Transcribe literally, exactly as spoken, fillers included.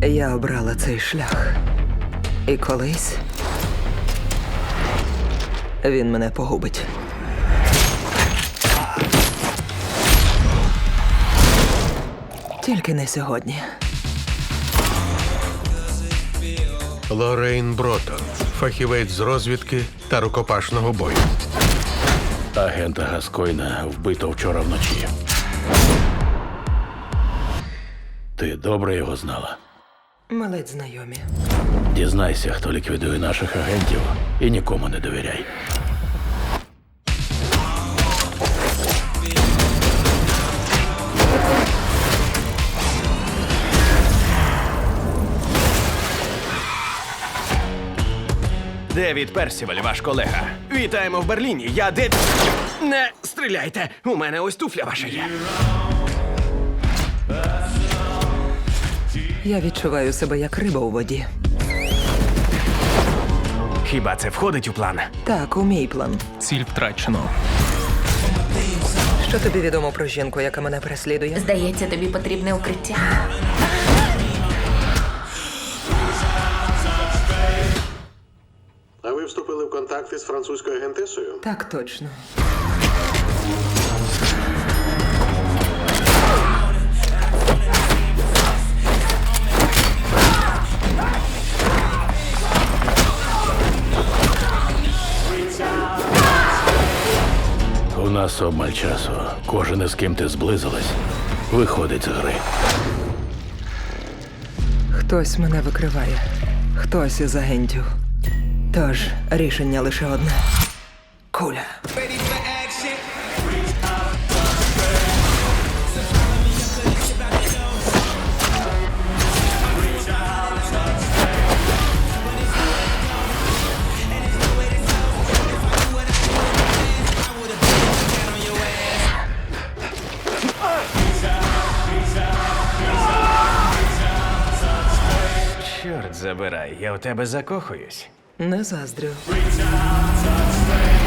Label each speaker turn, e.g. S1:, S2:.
S1: Я обрала цей шлях. І колись він мене погубить. Тільки не сьогодні.
S2: Лоррейн Бротон, фахівець з розвідки та рукопашного бою.
S3: Агента Гаскойна вбито вчора вночі. Ти добре його знала?
S1: Малець знайомі.
S3: Дізнайся, хто ліквідує наших агентів, і нікому не довіряй.
S4: Девід Персіваль, ваш колега. Вітаємо в Берліні. Я де... Не стріляйте! У мене ось туфля ваша є.
S1: Я відчуваю себе як риба у воді.
S4: Хіба це входить у план?
S1: Так, у мій план.
S5: Ціль втрачено.
S1: Що тобі відомо про жінку, яка мене переслідує?
S6: Здається, тобі потрібне укриття.
S2: А ви вступили в контакти з французькою агентесою?
S1: Так точно.
S3: У нас обмаль часу. Кожен, із ким ти зблизилась, виходить з гри.
S1: Хтось мене викриває. Хтось із агентів. Тож, рішення лише одне. Куля.
S4: Чорт забирай, я у тебе закохуюсь.
S1: Не заздрю.